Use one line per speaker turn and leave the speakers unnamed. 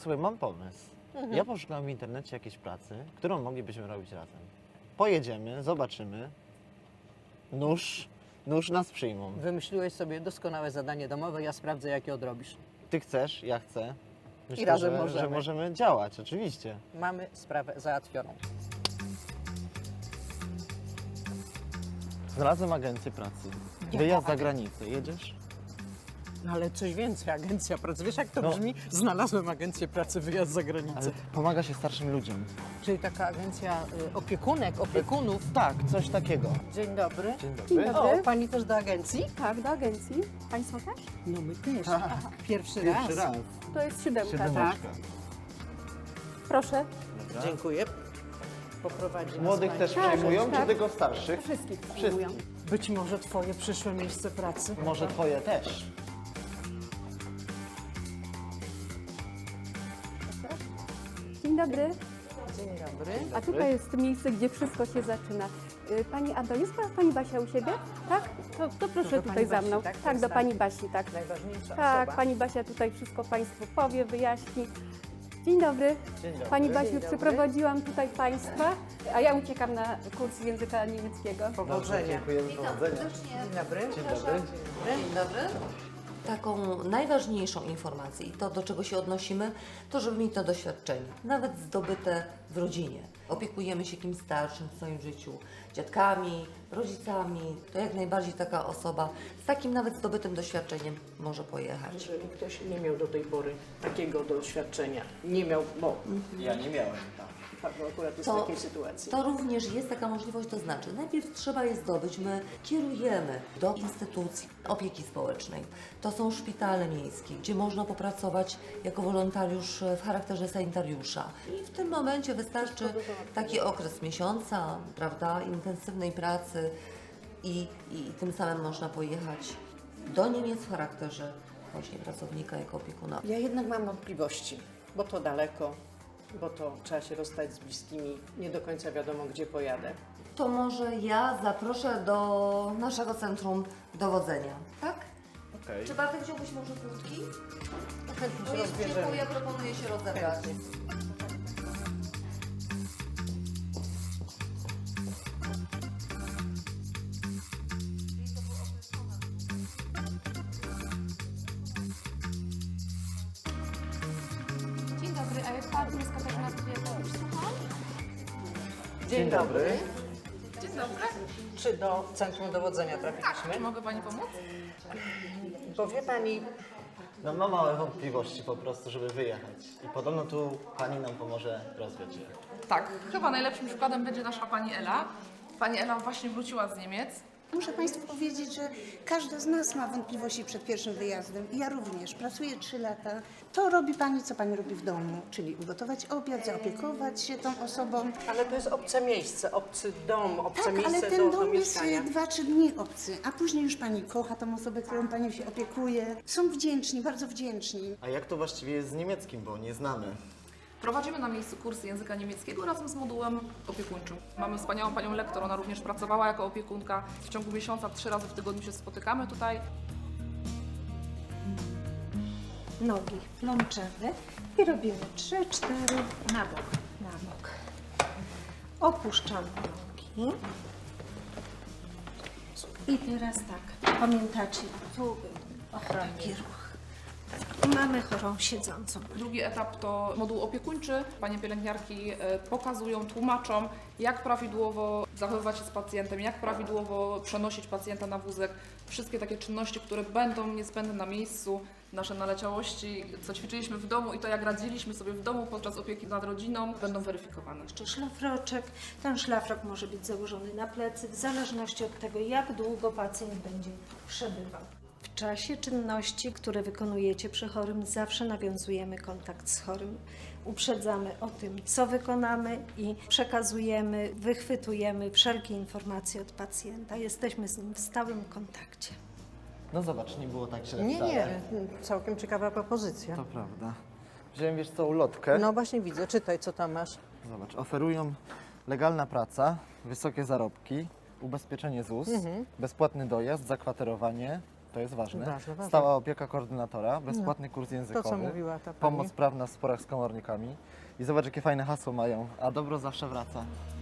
Słuchaj, mam pomysł. Ja poszukam w internecie jakiejś pracy, którą moglibyśmy robić razem. Pojedziemy, zobaczymy. Nóż nas przyjmą.
Wymyśliłeś sobie doskonałe zadanie domowe, ja sprawdzę, jakie odrobisz.
Ty chcesz, ja chcę. Myślę,
razem
że
możemy.
możemy działać, oczywiście.
Mamy sprawę załatwioną.
Znalazłem agencję pracy. Wyjazd za granicę. Jedziesz?
No ale coś więcej, agencja pracy. Wiesz, jak to
No.
brzmi? Znalazłem agencję pracy, wyjazd za granicę.
Ale pomaga się starszym ludziom.
Czyli taka agencja opiekunek, opiekunów.
Tak, coś takiego.
Dzień dobry.
Dzień
Dzień
dobry.
dobry.
O, pani też do agencji?
Tak, do agencji. Państwo też?
No my też.
Tak.
Pierwszy
Pierwszy
raz.
raz.
To jest siódemka, tak?
Siedemeczka.
Proszę.
Dobra.
Dziękuję. Poprowadzi nas
Młodych
pani.
też
Tak,
przejmują, czy
tak.
tylko starszych?
Wszystkich przyjmują.
Wszystkich.
Być może twoje przyszłe miejsce pracy.
Może twoje też.
Dzień dobry.
Dzień dobry.
A tutaj jest miejsce, gdzie wszystko się zaczyna. Pani Ado, jest pani Basia u siebie? Tak? To proszę
do
tutaj
pani
za mną.
Basi, tak?
Tak, do pani Basi, tak.
Najważniejsza
Tak,
osoba.
pani Basia tutaj wszystko Państwu powie, wyjaśni. Dzień dobry.
Dzień dobry.
Pani Basiu,
Dzień dobry.
przyprowadziłam tutaj Państwa, a ja uciekam na kurs języka niemieckiego.
Powodzenia.
Dziękujemy, powodzenia.
Dzień dobry.
Dzień dobry.
Dzień dobry. Taką najważniejszą informację i to, do czego się odnosimy, to żeby mieć to doświadczenie, nawet zdobyte w rodzinie. Opiekujemy się kimś starszym w swoim życiu, dziadkami, rodzicami. To jak najbardziej taka osoba z takim nawet zdobytym doświadczeniem może pojechać.
Jeżeli ktoś nie miał do tej pory takiego doświadczenia, nie miał, bo
Ja nie miałem, tak.
akurat jest
To-
w takiej sytuacji.
To również jest taka możliwość, to znaczy najpierw trzeba je zdobyć, my kierujemy do instytucji opieki społecznej. To są szpitale miejskie, gdzie można popracować jako wolontariusz w charakterze sanitariusza. I w tym momencie wystarczy taki okres miesiąca, prawda, intensywnej pracy i tym samym można pojechać do Niemiec w charakterze właśnie pracownika jako opiekuna.
Ja jednak mam wątpliwości, bo to daleko, bo to trzeba się rozstać z bliskimi, nie do końca wiadomo, gdzie pojadę.
To może ja zaproszę do naszego centrum dowodzenia, tak?
Okej.
Czy Bartek wziąłbyś może krótki?
Chętnie
Bo
się
jest
rozbierzemy.
ciepło, ja proponuję się rozebrać.
Dzień dobry, a jest pan jest Katarzyna Kwiatowicz, słucham?
Dzień dobry.
Dzień dobry.
Czy do Centrum Dowodzenia trafiliśmy?
Czy mogę pani pomóc?
Bo wie pani,
No mam małe wątpliwości po prostu, żeby wyjechać. I podobno tu pani nam pomoże rozwiać je.
Tak, chyba najlepszym przykładem będzie nasza pani Ela. Pani Ela właśnie wróciła z Niemiec.
Muszę Państwu powiedzieć, że każda z nas ma wątpliwości przed pierwszym wyjazdem. Ja również. Pracuję 3 lata. To robi Pani, co Pani robi w domu, czyli ugotować obiad, zaopiekować się tą osobą.
ale to jest obce miejsce, obcy dom, obce
Tak,
miejsce
ale ten
do
dom jest
mieszkania.
2-3 dni obcy, a później już Pani kocha tą osobę, którą Pani się opiekuje. Są wdzięczni, bardzo wdzięczni.
A jak to właściwie jest z niemieckim, bo nie znamy?
Prowadzimy na miejscu kursy języka niemieckiego razem z modułem opiekuńczym. Mamy wspaniałą panią lektor, ona również pracowała jako opiekunka. W ciągu miesiąca 3 razy w tygodniu się spotykamy tutaj.
Nogi plączemy i robimy 3-4 na bok, na bok. Opuszczamy nogi. I teraz tak, pamiętacie, tu był taki ruch. I mamy chorą siedzącą.
Drugi etap to moduł opiekuńczy. Panie pielęgniarki pokazują, tłumaczą, jak prawidłowo zachowywać się z pacjentem, jak prawidłowo przenosić pacjenta na wózek. Wszystkie takie czynności, które będą niezbędne na miejscu, nasze naleciałości, co ćwiczyliśmy w domu i to, jak radziliśmy sobie w domu podczas opieki nad rodziną, będą weryfikowane.
Jeszcze szlafroczek. Ten szlafrok może być założony na plecy w zależności od tego, jak długo pacjent będzie przebywał. W czasie czynności, które wykonujecie przy chorym, zawsze nawiązujemy kontakt z chorym. Uprzedzamy o tym, co wykonamy i przekazujemy, wychwytujemy wszelkie informacje od pacjenta. Jesteśmy z nim w stałym kontakcie.
No zobacz, nie było tak źle
Nie,
wcale.
nie, całkiem ciekawa propozycja.
To prawda. Wziąłem, wiesz co, ulotkę.
No właśnie widzę, czytaj, co tam masz.
Zobacz, oferują legalna praca, wysokie zarobki, ubezpieczenie ZUS, bezpłatny dojazd, zakwaterowanie, To jest ważne.
Ważne, ważne.
Stała opieka koordynatora, bezpłatny kurs językowy,
To, co mówiła ta pani.
pomoc prawna w sporach z komornikami. I zobacz, jakie fajne hasło mają. A dobro zawsze wraca.